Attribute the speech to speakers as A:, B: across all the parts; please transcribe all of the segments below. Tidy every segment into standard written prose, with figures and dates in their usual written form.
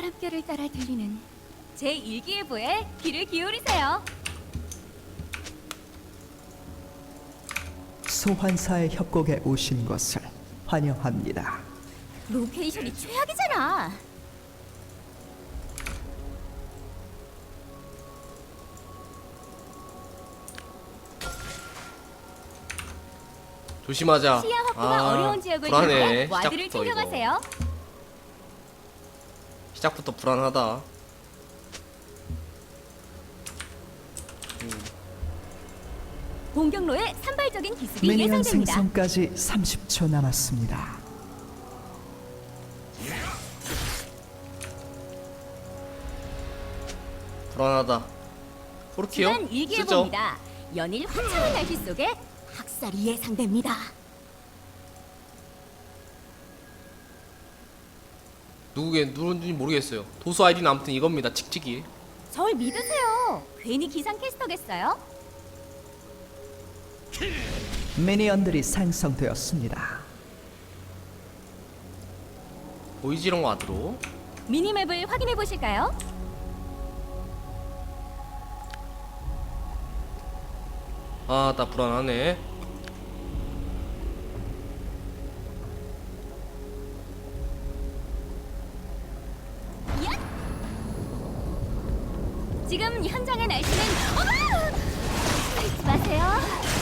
A: 바람결을 따라 들리는 제 일기예보에 귀를 기울이세요.
B: 소환사의 협곡에 오신 것을 환영합니다.
A: 로케이션이 최악이잖아.
C: 조심하자.
A: 시야 확보가 어려운 지역을
C: 불안해.
A: 이용해 와드를
C: 시작부터 이거.
A: 챙겨가세요.
C: 시작부터 불안하다.
A: 공격로에 산발적인 기습이
B: 미니언
A: 예상됩니다.
B: 생성까지 30초 남았습니다.
C: 불안하다. 포르키요?
A: 지난
C: 쓰죠.
A: 일기예보입니다. 연일 화창한 날씨 속에 학살이 예상됩니다.
C: 누군지 모르겠어요. 도수 아이디는 아무튼 이겁니다. 칙칙이.
A: 절 믿으세요. 괜히 기상캐스터겠어요?
B: 미니언들이 생성되었습니다.
C: 보이지롱 와드로.
A: 미니맵을 확인해 보실까요?
C: 아, 나 불안하네.
A: 지금 현장의 날씨는 어머! 잊지 마세요.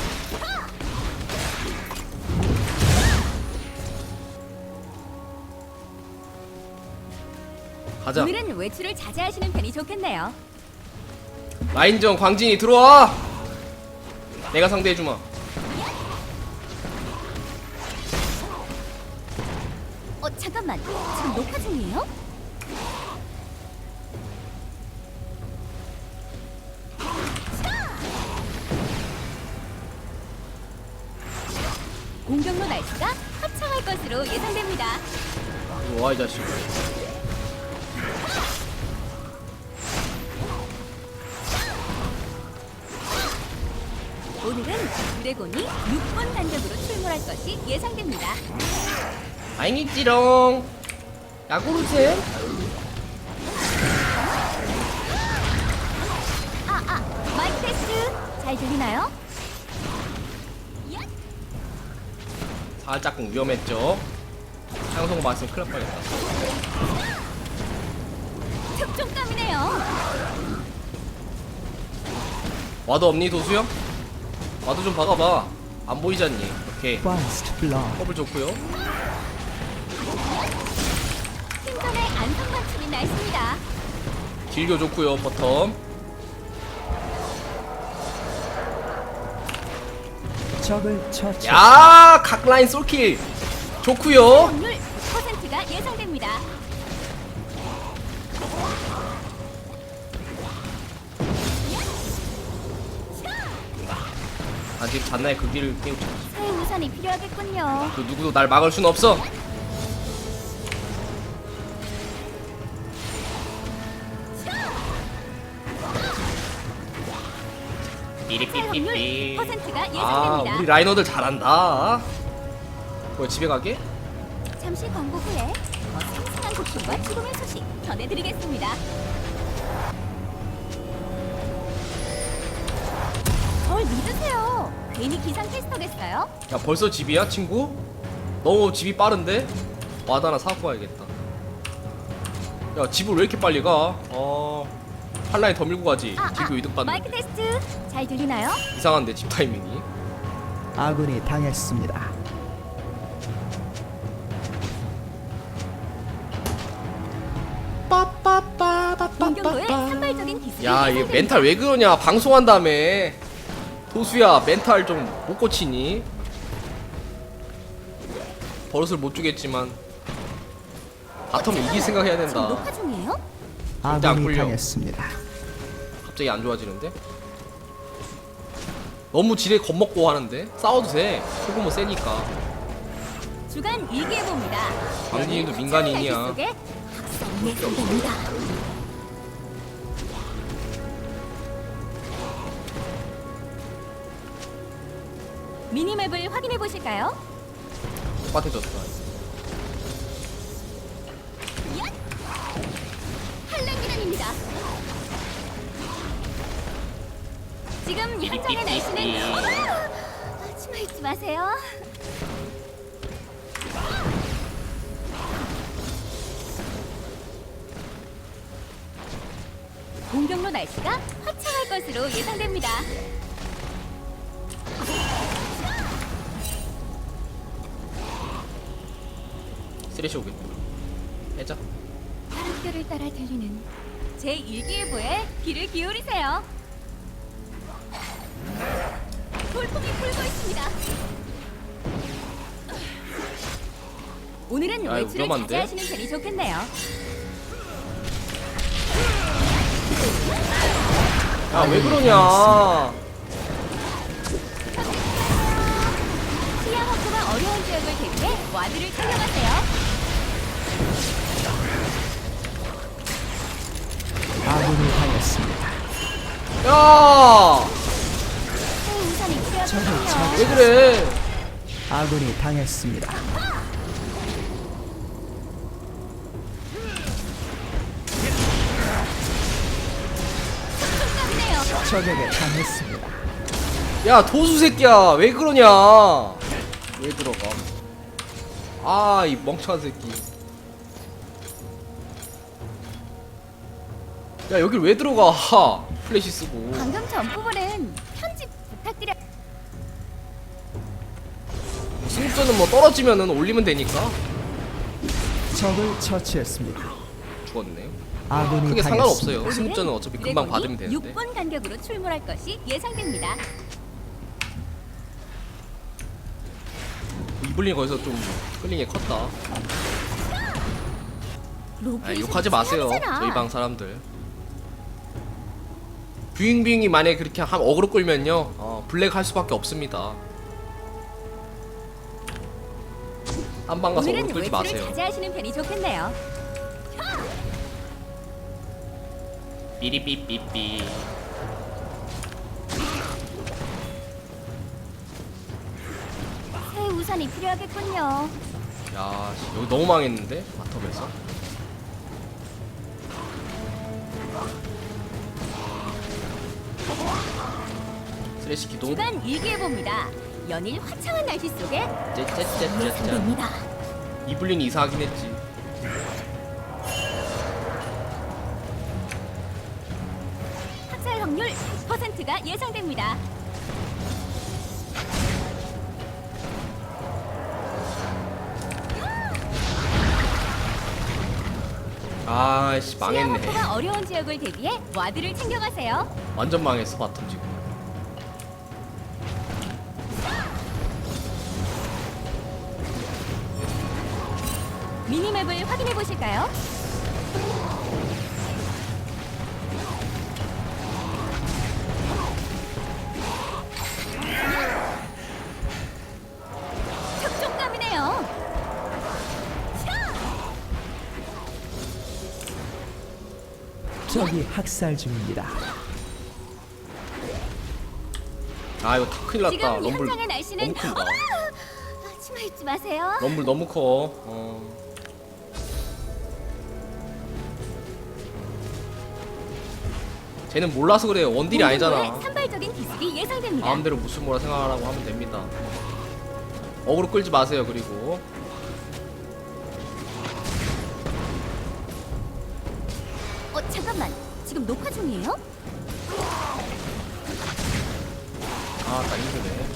C: 가자.
A: 오늘은 외출을 자제하시는 편이 좋겠네요.
C: 라인전 광진이 들어와. 내가 상대해주마.
A: 잠깐만. 지금 녹화 중이에요? 공격로 날씨가 화창할 것으로 예상됩니다.
C: 이리 와, 이 자식.
A: 오늘은 드래곤이 6번 단격으로 출몰할 것이 예상됩니다.
C: 다행이지롱. 야구르세.
A: 마이크 테스트 잘 들리나요?
C: 살짝 위험했죠. 상성 맞으면 큰일 날 뻔했다.
A: 특종감이네요.
C: 와드 없니, 도수형? 와드 좀 박아봐. 안 보이잖니. 오케이.
B: First Blood.
C: 허블 좋고요.
A: 생선의 안성 맞춤이 날씨입니다.
C: 딜교 좋고요. 버텀.
B: 적을 처치.
C: 야, 각 라인 솔킬 좋고요.
A: 확률 100%가 예상됩니다.
C: 아직 잔나의 그 길을 깨우쳐.
A: 새 우산이 필요하겠군요.
C: 그 누구도 날 막을 순 없어.
A: 새 확률
C: 삐리삐삐삐.
A: 100%가
C: 아,
A: 예상됩니다.
C: 우리 라이너들 잘한다. 뭐야, 집에 가게?
A: 잠시 광고 후에 더 생생한 고충과 죽음의 소식 전해드리겠습니다. 절 믿으세요. 괜히 기상캐스터겠어요?
C: 야, 벌써 집이야, 친구? 너무 집이 빠른데? 와드 하나 사고 가야겠다. 야, 집을 왜 이렇게 빨리 가? 한 라인 더 밀고 가지. 딜교 이득
A: 마이크
C: 받는데.
A: 테스트 잘 들리나요?
C: 이상한데, 집 타이밍이.
B: 아군이 당했습니다.
A: 공격로에 산발적인 기술이
C: 야, 얘
A: 예상됩니다.
C: 멘탈 왜 그러냐? 방송한 다음에. 도수야, 멘탈 좀 못 고치니? 버릇을 못 주겠지만 바텀 이길 생각 해야
A: 지금
C: 된다.
A: 녹화 중이에요?
C: 안
B: 아군이
C: 풀려.
B: 당했습니다.
C: 갑자기 안 좋아지는데? 너무 지레 겁먹고 하는데? 싸워도 돼. 소규모 세니까.
A: 주간 일기예보입니다.
C: 광진이도
A: 연일
C: 민간인이야.
A: 화창한 날씨 속에 학살이 예상됩니다. 미니맵을 확인해 보실까요?
C: 똑같아졌다.
A: 지금 현장의 날씨는 치마 입지 마세요. 공격로 날씨가 화창할 것으로 예상됩니다.
C: 쓰레쉬 오겠다. 해자.
A: 바람결을 따라 들리는 제 일기예보에 귀를 기울이세요. 돌풍이 불고 있습니다. 오늘은
C: 야, 이거
A: 외출을
C: 위험한데?
A: 자제하시는 편이 좋겠네요.
C: 야, 왜 그러냐?
A: 시야 확보가 어려운 지역을 대비해 와드를 챙겨가세요.
B: 아군이 당했습니다.
C: 야!
A: 새 우산이
C: 왜
A: 필요하거든요.
C: 그래?
B: 아군이 당했습니다.
A: 깜깜이네요.
B: 적에게 당했습니다.
C: 야, 도수 새끼야. 왜 그러냐? 왜 들어가? 아, 이 멍청한 새끼. 야, 여길 왜 들어가? 플래시 쓰고.
A: 방금 전 부분은 편집 부탁드려.
C: 승부전은 뭐 떨어지면은 올리면 되니까.
B: 적을 처치했습니다.
C: 죽었네.
B: 아군이
C: 크게
B: 당했습니다.
C: 상관없어요. 승부전은 어차피 금방 받으면 되는데.
A: 6분 간격으로 출몰할 것이 예상됩니다.
C: 이블린 거기서 좀 끌린 게 컸다. 아,
A: 로봇이
C: 욕하지 마세요.
A: 사람이잖아.
C: 저희 방 사람들. 뷰잉뷰잉이 만약에 그렇게 어그로 끌면요, 블랙 할 수밖에 없습니다. 한 방 가서
A: 오늘은
C: 어그로 끌지
A: 외출을
C: 마세요.
A: 자제하시는 편이 좋겠네요.
C: 삐리삐삐삐.
A: 새 우산이 필요하겠군요.
C: 야, 씨, 여기 너무 망했는데? 바텀에서. 쓰레쉬 기동.
A: 주간 일기예보입니다. 연일 화창한 날씨 속에
C: 짜짜짜짜짜.
A: 예상됩니다.
C: 이블린 이사하긴 했지.
A: 학살 확률 100%가 예상됩니다.
C: 아씨,
A: 시야
C: 망했네.
A: 확보가 어려운 지역을 대비해 와드를 챙겨가세요.
C: 완전 망했어, 바텀 지금.
A: 미니맵을 확인해 보실까요? 촉촉감이네요.
B: 적이 학살 중입니다.
C: 아, 이거 다 큰일 났다.
A: 지금
C: 럼블
A: 현장의 날씨는
C: 너무 큰다.
A: 치마 입지 마세요.
C: 럼블 너무 커. 쟤는 몰라서 그래요. 원딜이 아니잖아.
A: 산발적인 기습이 예상됩니다.
C: 마음대로 무슨 뭐라 생각하라고 하면 됩니다. 어그로 끌지 마세요. 그리고
A: 잠깐만. 지금 녹화 중이에요?
C: 아, 나 힘드네.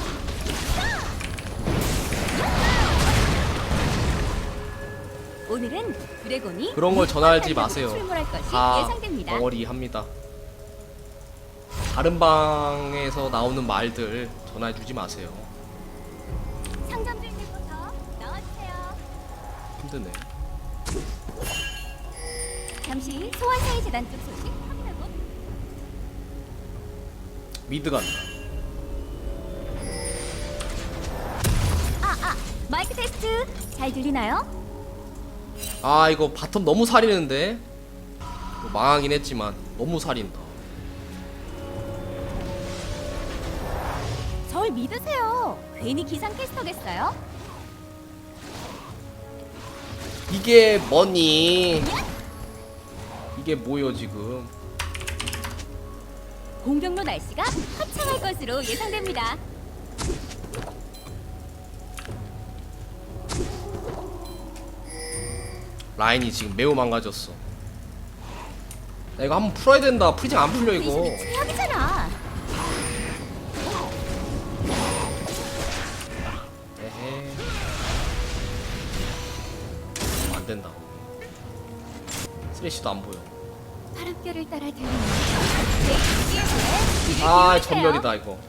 A: 오늘은 드래곤이
C: 그런 걸 전화하지
A: 간격으로
C: 마세요.
A: 출몰할 것이
C: 다
A: 예상됩니다.
C: 덩어리 합니다. 다른 방에서 나오는 말들 전화해주지 마세요.
A: 상점 주인님부터 나와주세요.
C: 힘드네.
A: 잠시 소환사의 재단 쪽 소식 확인하고
C: 미드 간다.
A: 마이크 테스트 잘 들리나요?
C: 아, 이거 바텀 너무 살리는데. 뭐 망하긴 했지만 너무 살린다.
A: 절 믿으세요. 괜히 기상캐스터겠어요?
C: 이게 뭐니? 이게 뭐요 지금?
A: 공격로 날씨가 화창할 것으로 예상됩니다.
C: 라인이 지금 매우 망가졌어. 나 이거 한번 풀어야 된다. 프리징 안 풀려 이거.
A: 로케이션이 최악이잖아.
C: 에헤. 안 된다. 쓰레쉬도 안 보여.
A: 바람결을 따라 들리는 제 이기에 귀를
C: 아,
A: 기울이세요.
C: 전멸이다 이거.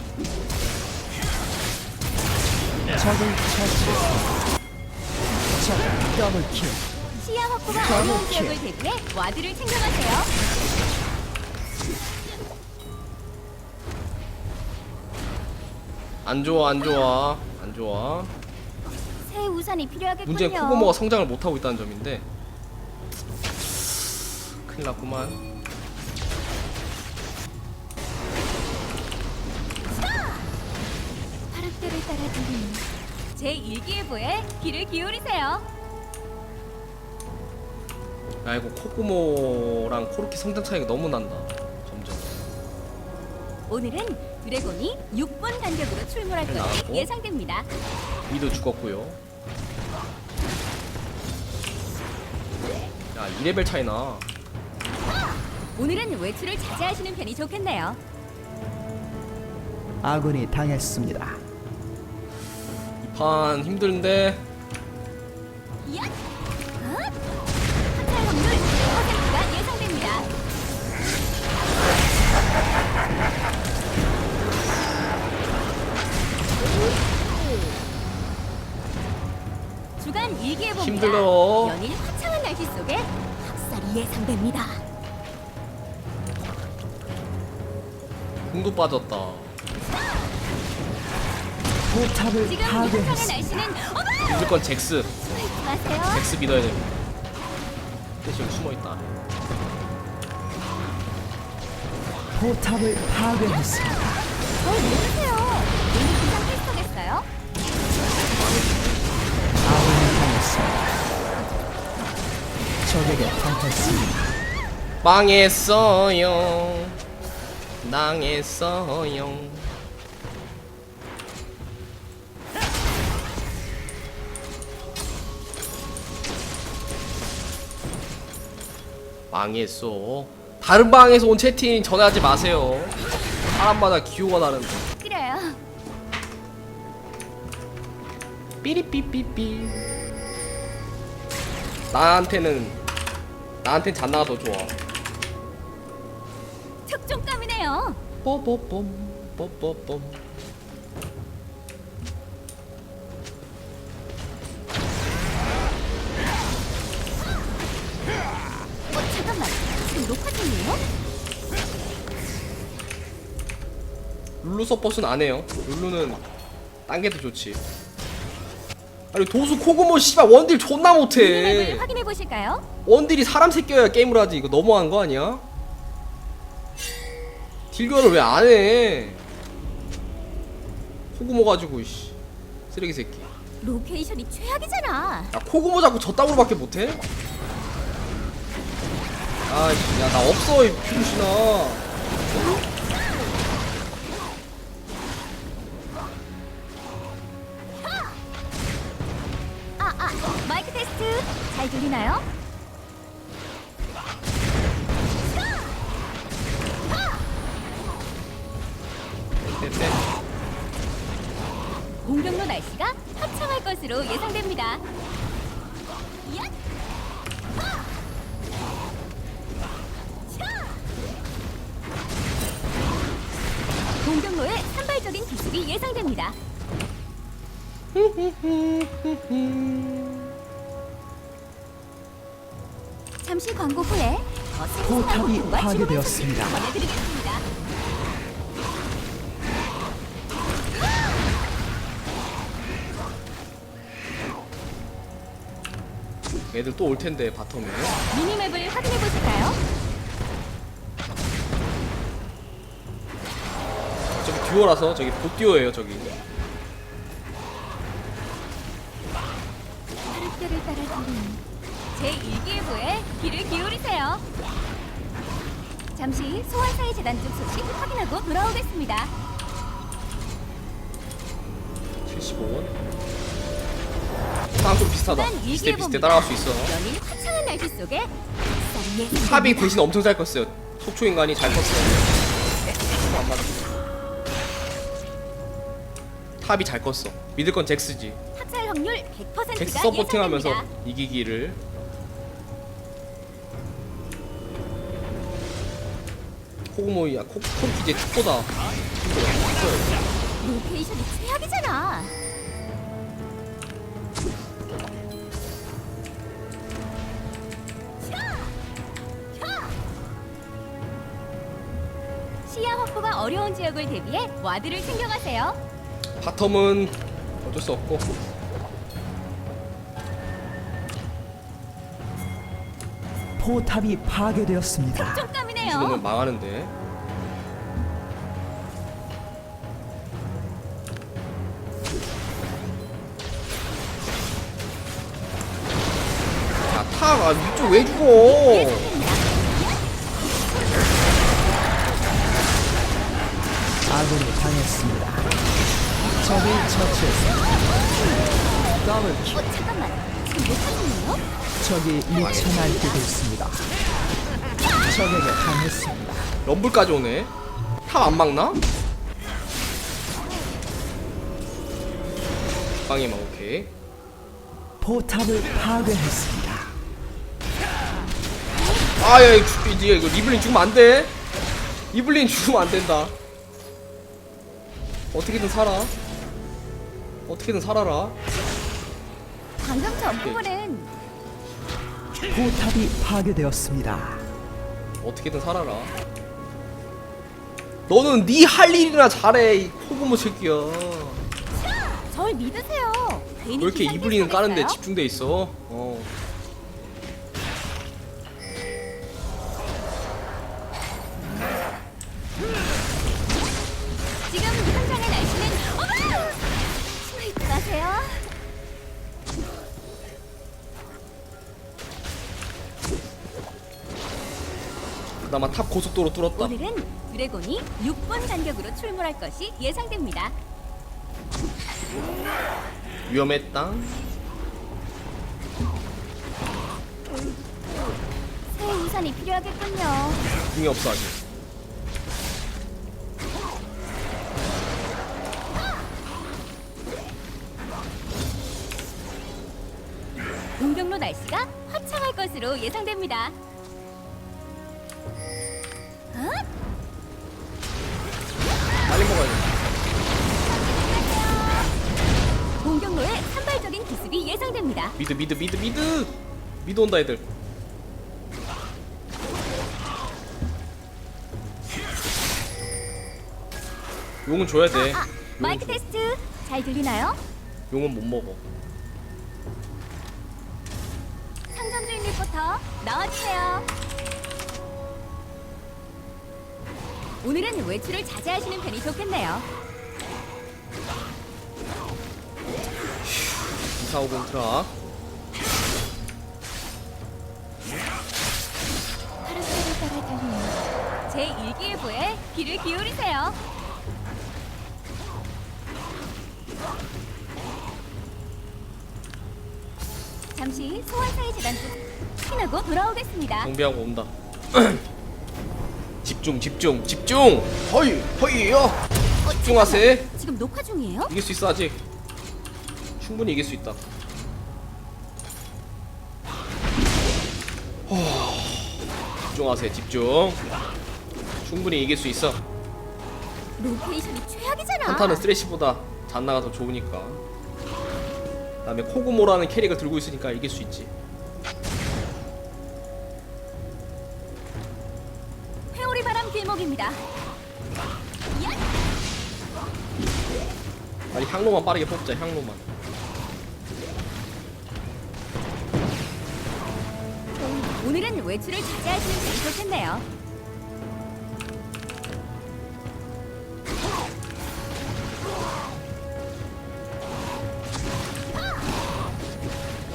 B: 적을 처치했습니다. 적 더블킬.
A: 시야 확보가
B: 더블
A: 어려운
B: 킬.
A: 지역을 대비해 와드를 챙겨가세요.
C: 안 좋아 안 좋아 안 좋아.
A: 새 우산이 필요하겠군요.
C: 문제는 코고모가 성장을 못하고 있다는 점인데 큰일 났구만.
A: 바람결을 따라 들리는 제 일기예보에 귀를 기울이세요.
C: 야 이거 코고모랑 코르키 성장 차이가 너무 난다 점점.
A: 오늘은 드래곤이 6분 간격으로 출몰할 것으로
C: 나왔고.
A: 예상됩니다.
C: 미도 죽었고요. 야 2레벨 차이나.
A: 오늘은 외출을 자제하시는 편이 좋겠네요.
B: 아군이 당했습니다.
C: 이 판 힘든데.
A: 야! 합살 확률 100%가 예상됩니다. 주간 일기예보입니다.
C: 힘들어.
A: 연일 화창한 날씨 속에 학살이 예상됩니다.
C: 궁도 빠졌다.
B: 포탑을
A: 지금 화창한
B: 파괴했습니다.
A: 날씨는 어머!
C: 무조건 잭스.
A: 숨어있지 마세요.
C: 잭스 믿어야 됩니다. 대신 여기 숨어있다.
B: 포탑을 파괴했습니다.
A: 뭘 모르세요. 오늘 기상 테스터겠어요?
B: 아군이 당했습니다. 적에게 당했습니다.
C: 망했어요. 당했어요. 망했어. 다른 방에서 온 채팅 전화하지 마세요. 사람마다 기호가 다른데.
A: 그래요.
C: 삐리삐삐삐. 나한텐 잔나가 더 좋아.
A: 특종감이네요.
C: 뽀뽀뽐 뽀뽀뽐.
A: 잠깐만. 지금 녹화 중이에요?
C: 룰루 서폿은 안 해요. 룰루는 딴 게 더 좋지. 아니 도수 코고모 씨발 원딜 존나 못해.
A: 미니맵을 확인해 보실까요?
C: 원딜이 사람 새끼여야 게임을 하지. 이거 너무한 거 아니야? 딜교를 왜 안 해? 코고모 가지고 씨 쓰레기 새끼.
A: 로케이션이 최악이잖아.
C: 야 코고모 자꾸 저따구로밖에 못해? 아씨 야 나 없어 이 피루시나.
A: 마이크 테스트 잘 들리나요?
C: 네.
A: 공격로 날씨가 화창할 것으로 예상됩니다. 야! 공격로의 산발적인 기습이 예상됩니다. 잠시 광고 후에 더 생생한
B: 포탑이
A: 호흡과
B: 파괴되었습니다.
A: 지금의 소식 전해드리겠습니다.
C: 애들 또 올 텐데 바텀에.
A: 미니맵을 확인해 보실까요?
C: 저기 듀오라서 저기 봇 듀오예요 저기.
A: 바람결을 따라 들리는 제 일기예보에 귀를 기울이세요. 잠시 소환사의 재단 쪽 소식 확인하고 돌아오겠습니다.
C: 75원. 나랑 좀 비슷하다.
A: 그만
C: 비슷해
A: 얘기해봅니다.
C: 비슷해 따라갈 수 있어.
A: 연일 화창한 날씨 속에 쌀 예상
C: 탑이 대신 엄청 잘 컸어요. 속초 인간이 잘 컸어요. 안 맞아. 탑이 잘 컸어. 믿을 건 잭스지.
A: 학살 확률 100%가
C: 잭스 서포팅하면서
A: 예상됩니다.
C: 이기기를. 코그모이야 코르키제 특보다
A: 로케이션이 최악이잖아. 시야 확보가 어려운 지역을 대비해 와드를 챙겨가세요.
C: 바텀은 어쩔 수 없고.
B: 포탑이 파괴되었습니다.
A: 좀 까미네요.
C: 죽으면 망하는데. 자, 타가 위쪽 왜 죽어?
B: 아군이 당했습니다. 적을 처치했습니다. 더블 킬.
A: 잠깐만. 지금 못 찾았네요?
B: 적이 미쳐 날뛰고 있습니다. 적에게 당했습니다.
C: 럼블까지 오네. 탑 안 막나? 방해만 오케이.
B: 포탑을 파괴했습니다.
C: 아야 이거 리블린 죽으면 안 돼. 리블린 죽으면 안 된다. 어떻게든 살아. 어떻게든 살아라.
A: 방금 전 부분은
B: 포탑이 파괴되었습니다.
C: 어떻게든 살아라. 너는 네 할 일이나 잘해 이 코고모 새끼야.
A: 절 믿으세요. 괜히
C: 왜 이렇게
A: 기상
C: 이블리는 까는데
A: 테스트겠어요?
C: 집중돼 있어?
A: 지금 현장의 날씨는 어머! 치마 입고 가세요.
C: 그나마 탑 고속도로 뚫었다.
A: 오늘은 드래곤이 6분 간격으로 출몰할 것이 예상됩니다.
C: 위험했다.
A: 새 우산이 필요하겠군요.
C: 궁이 없어 아직.
A: 동경로 날씨가 화창할 것으로 예상됩니다. 어?
C: 빨리 먹어야지.
A: 동경로의 산발적인 기습이 예상됩니다.
C: 미드 온다 애들. 용은 줘야 돼.
A: 마이크
C: 용은 줘.
A: 테스트 잘 들리나요?
C: 용은 못 먹어.
A: 상점 주인 리포터 나와주세요. 오늘은 외출을 자제하시는 편이 좋겠네요.
C: 2450 트라.
A: 파란색을 따라 달리는 제 일기예보에 귀를 기울이세요. 잠시 소환사의 재단 쪽 확인하고 돌아오겠습니다.
C: 정비하고 온다. 집중. 허이요. 집중하세.
A: 지금 녹화 중이에요?
C: 이길 수 있어 아직. 충분히 이길 수 있다. 집중하세. 집중. 충분히 이길 수 있어.
A: 로케이션이 최악이잖아.
C: 한타는 쓰레쉬보다 잔나가 더 좋으니까. 그다음에 코구모라는 캐릭을 들고 있으니까 이길 수 있지.
A: 회오리 바람 길목입니다. 야!
C: 아니 향로만 빠르게 뽑자. 향로만.
A: 오늘은 외출을 자제하시는 편이 좋겠네요.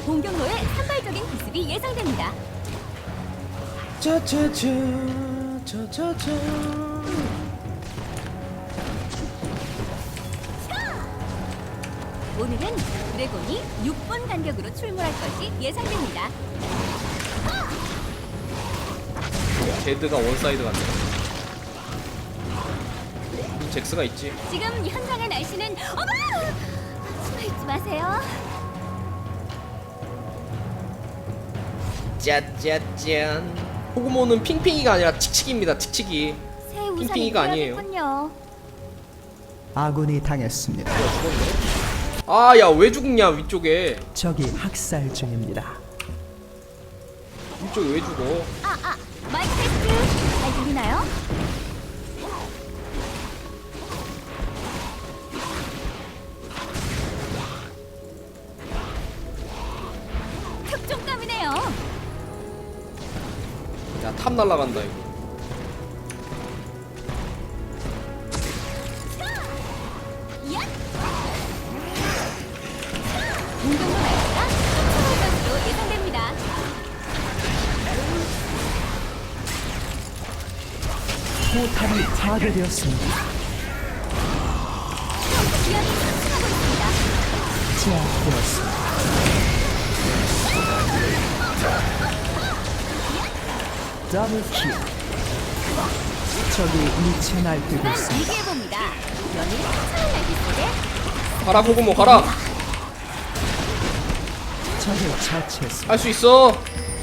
A: 공격로의 산발적인 기습이 예상됩니다.
C: 짜짜짜 짜자자잔.
A: 오늘은 드래곤이 6분 간격으로 출몰할 것이 예상됩니다.
C: 제드가 원사이드 같네. 잭스가 있지.
A: 지금 현장의 날씨는 어머! 숨어 있지 마세요.
C: 짜짜짠. 호구모는 핑핑이가 아니라 칙칙입니다. 칙칙이.
A: 새 우산이
C: 핑핑이가 아니에요.
A: 필요하겠군요.
B: 아군이 당했습니다.
C: 아, 야, 왜 죽냐 위쪽에.
B: 적이 학살 중입니다.
C: 위쪽에 왜 죽어?
A: 마이크 테스트 잘 들리나요? 특종감이네요.
C: 야, 탑 날라간다 이거.
A: 공격로 날씨가 쫓아올 것으로 예상됩니다.
B: 포탑이 파괴되었습니다.
A: 기압이 상승하고 있습니다.
B: 제압되었습니다. 더블킬. 적이 미쳐 날뛰고
A: 그만
B: 있습니다.
A: 얘기해봅니다. 연일 상승한 날씨 속에
C: 가라 호구모 가라.
B: 적을 처치했습니다.
C: 할 수 있어.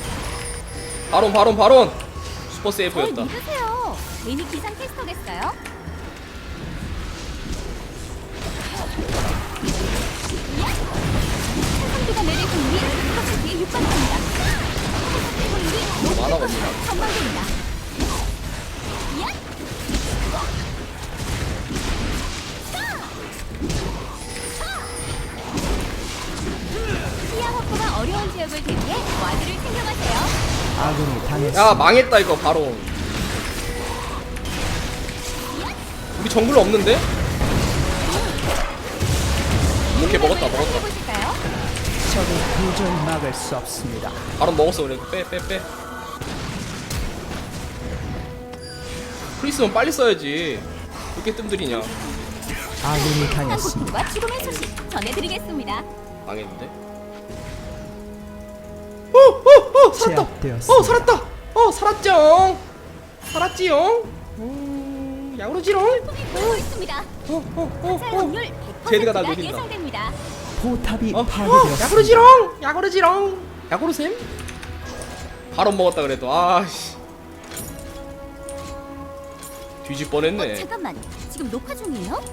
C: 바론. 슈퍼
A: 절
C: 세이브였다.
A: 믿으세요. 괜히 기상 테스터겠어요? 태풍비가 내릴 공이 이것을 뒤에 육박합니다.
C: 많아 봅니다.
A: 전망됩니다. 시야 확보가 어려운 지역을 대비해 와드를 챙겨가세요.
B: 아군이 당했습니다.
C: 야, 망했다 이거 바론. 우리 정글 없는데? 오케이, 먹었다.
A: 해보실까요?
B: 적을 도저히 막을 수 없습니다.
C: 바론 먹었어. 그래. 빼. 프리스면 빨리 써야지. 왜 이렇게 뜸들이냐.
B: 아군이
A: 강한
B: 당했습니다.
A: 고통과 죽음의 소식 전해드리겠습니다.
C: 망했는데?
B: 제압되었습니다.
C: 살았다. 살았지용. 야구르지롱.
A: 폭이 불고 있습니다. 살 확률 100%가
C: 제드가 날 노린다.
A: 예상됩니다.
B: 포탑이 파괴되었습니다.
C: 야구르지롱. 야구르셈? 바로 먹었다 그래도. 아씨. 뒤집 뻔했네.
A: 잠깐만, 지금 녹화 중이에요?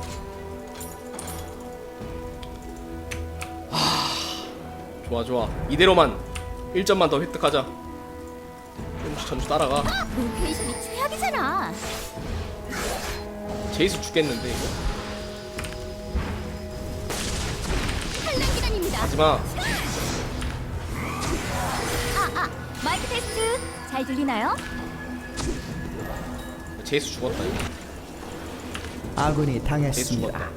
C: 좋아. 이대로만 1점만 더 획득하자. 점수 따라가.
A: 로케이션이 최악이잖아.
C: 제이스 죽겠는데 이거.
A: 탈락 기간입니다.
C: 하지마.
A: 마이크 테스트 잘 들리나요?
C: 제이스 죽었다 이거.
B: 아군이
C: 제이스
B: 당했습니다.
C: 죽었다.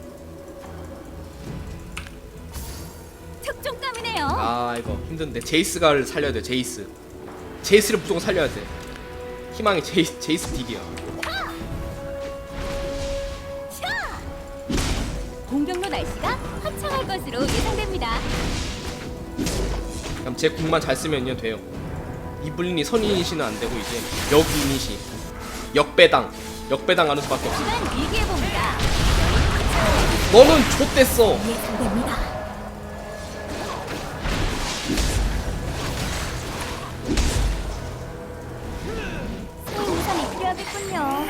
A: 특종감이네요.
C: 아 이거 힘든데. 제이스가를 살려야 돼. 제이스를 무조건 살려야 돼. 희망이 제이스 딜이야.
A: 공격로 날씨가 화창할 것으로 예상됩니다.
C: 그럼 제 궁만 잘 쓰면요 돼요. 이블린이 선이니시는 안 되고 이제 역이니시 역배당 가는 수밖에 없어.
A: 그만 일기해봅니다.
C: 너는 좆됐어.
A: 예상됩니다. 새 우산이 필요하겠군요.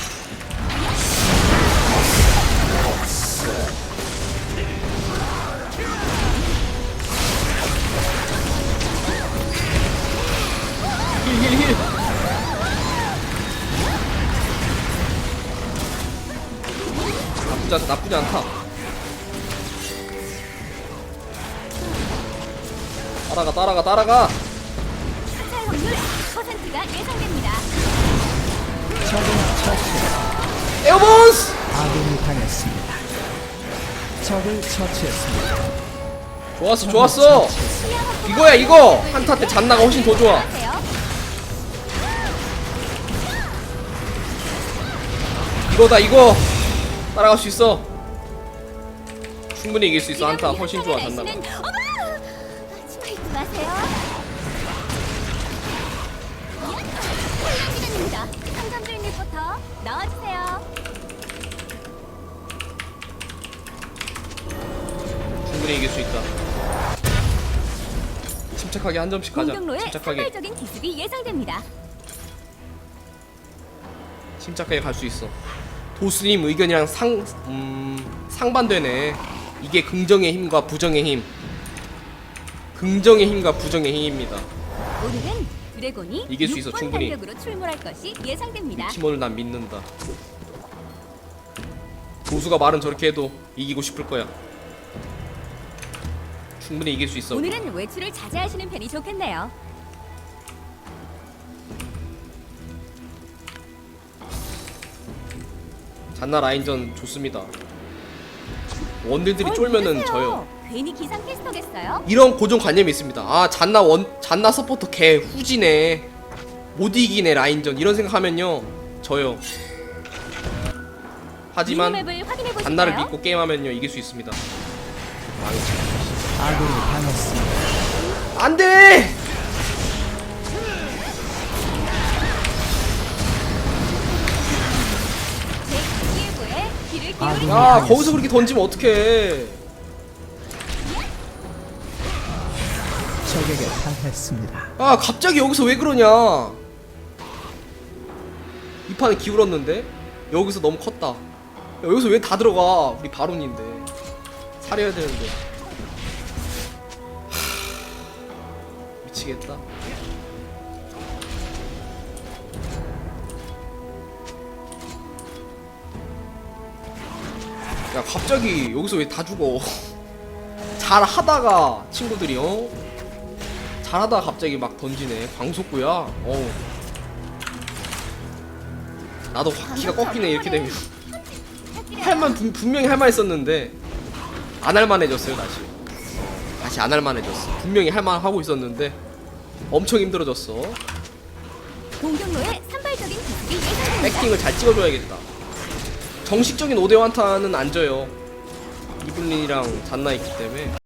C: 힐. 나쁘지 않다. 따라가.
A: 살 확률 100%가 예상됩니다.
B: 적을 처치했습니다.
C: 에어본스.
B: 아군이 당했습니다. 적을 처치했습니다.
C: 좋았어.
A: 시야 확보가
C: 이거야 이거. 한타 때 잔나가 훨씬 더 좋아.
A: 필요하세요?
C: 이거다 이거. 따라갈 수 있어. 충분히 이길 수 있어. 한타 훨씬 좋아 잔나가.
A: 어머! 치마 입지 마세요. 훈련시간입니다. 상점주인 리포터 나와주세요.
C: 충분히 이길 수 있다. 침착하게 한 점씩 가자.
A: 공격로에
C: 침착하게.
A: 산발적인 기습이 예상됩니다.
C: 침착하게 갈 수 있어. 도수님 의견이랑 상반되네. 이게 긍정의 힘과 부정의 힘. 긍정의 힘과 부정의 힘입니다.
A: 오늘은 드래곤이
C: 이길 수 있어,
A: 6번
C: 충분히.
A: 간격으로 출몰할 것이 예상됩니다.
C: 팀원을 난 믿는다. 도수가 말은 저렇게 해도 이기고 싶을 거야. 충분히 이길 수 있어.
A: 오늘은 외출을 자제하시는 편이 좋겠네요.
C: 잔나 라인전 좋습니다. 원딜들이 쫄면은 져요.
A: 괜히 기상 캐스터겠어요?
C: 이런 고정관념이 있습니다. 아 잔나 서포터 개 후지네. 못 이기네 라인전. 이런 생각하면요 져요. 하지만
A: 미니맵을 확인해 보실까요?
C: 잔나를 믿고 게임하면요 이길 수 있습니다.
B: 아군이 당했습니다.
C: 안돼!
A: 제 기예보에 귀를
B: 아,
A: 기울이세요.
C: 야 거기서 그렇게 던지면 어떡해.
B: 적에게 당했습니다.
C: 아 갑자기 여기서 왜 그러냐. 이 판은 기울었는데 여기서 너무 컸다. 야, 여기서 왜 다 들어가. 우리 바론인데 살해야 되는데. 미치겠다. 야 갑자기 여기서 왜 다 죽어. 잘 하다가 친구들이 잘하다가 갑자기 막 던지네. 광속구야. 나도 키가 꺾이네 이렇게 되면. 분명히 할만 했었는데 안 할만해졌어요. 다시 안 할만해졌어. 분명히 할만 하고 있었는데 엄청 힘들어졌어.
A: 공격로에 산발적인 기습이 예상됩니다.
C: 백킹을 잘 찍어줘야겠다. 정식적인 5대1타는 안 져요. 이블린이랑 잔나 있기 때문에.